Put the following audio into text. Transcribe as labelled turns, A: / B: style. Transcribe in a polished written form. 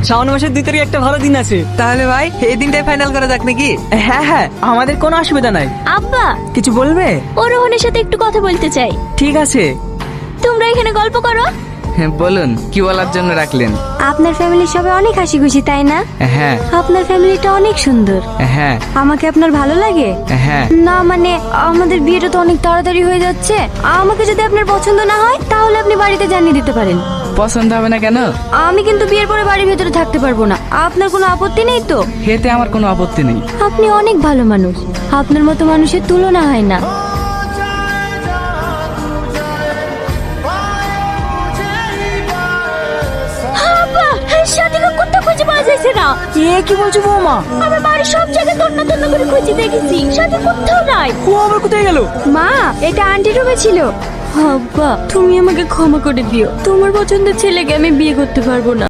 A: শ্রাবণ মাসের 2 তারিখ একটা ভালো দিন আছে।
B: তাহলে ভাই এই দিনটাই ফাইনাল করা যাক নাকি?
A: হ্যাঁ হ্যাঁ, আমাদের কোনো অসুবিধা নাই।
C: আব্বা,
A: কিছু বলবে?
C: ও রোহনের সাথে একটু কথা বলতে চাই।
A: ঠিক আছে।
C: তোমরা এখানে গল্প করো।
B: হ্যাঁ বলুন, কি বলার জন্য রাখলেন?
D: আপনার ফ্যামিলির সবাই অনেক হাসি খুশি, তাই না?
B: হ্যাঁ
D: আপনার ফ্যামিলিটা অনেক সুন্দর।
B: হ্যাঁ
D: আমাকে আপনার ভালো লাগে?
B: হ্যাঁ।
D: না মানে আমাদের বিয়েটা তো অনেক তাড়াতাড়ি হয়ে যাচ্ছে। আমাকে যদি আপনার পছন্দ না হয় তাহলে আপনি বাড়িতে জানিয়ে দিতে পারেন।
B: পছন্দ হবে না কেন?
D: আমি কিন্তু বিয়ের পরে বাড়ির ভেতরে থাকতে পারবো না। আপনার কোনো আপত্তি নেই তো?
B: এতে আমার কোনো আপত্তি নেই।
D: আপনি অনেক ভালো মানুষ, আপনার মতো মানুষের তুলনা হয় না।
C: আব্বা, সাথীকে কোথাও খুঁজে পাওয়া যাচ্ছে না।
A: কি বলছো বৌমা?
C: আমি বাড়ির সব জায়গায় তন্ন তন্ন করে খুঁজে দেখেছি, সাথী কোথাও নাই।
A: ও আবার কোথায় গেল?
D: মা, এটা আন্টি রুমে ছিল। আব্বা, তুমি আমাকে ক্ষমা করে দিও। তোমার পছন্দের ছেলেকে আমি বিয়ে করতে পারবো না।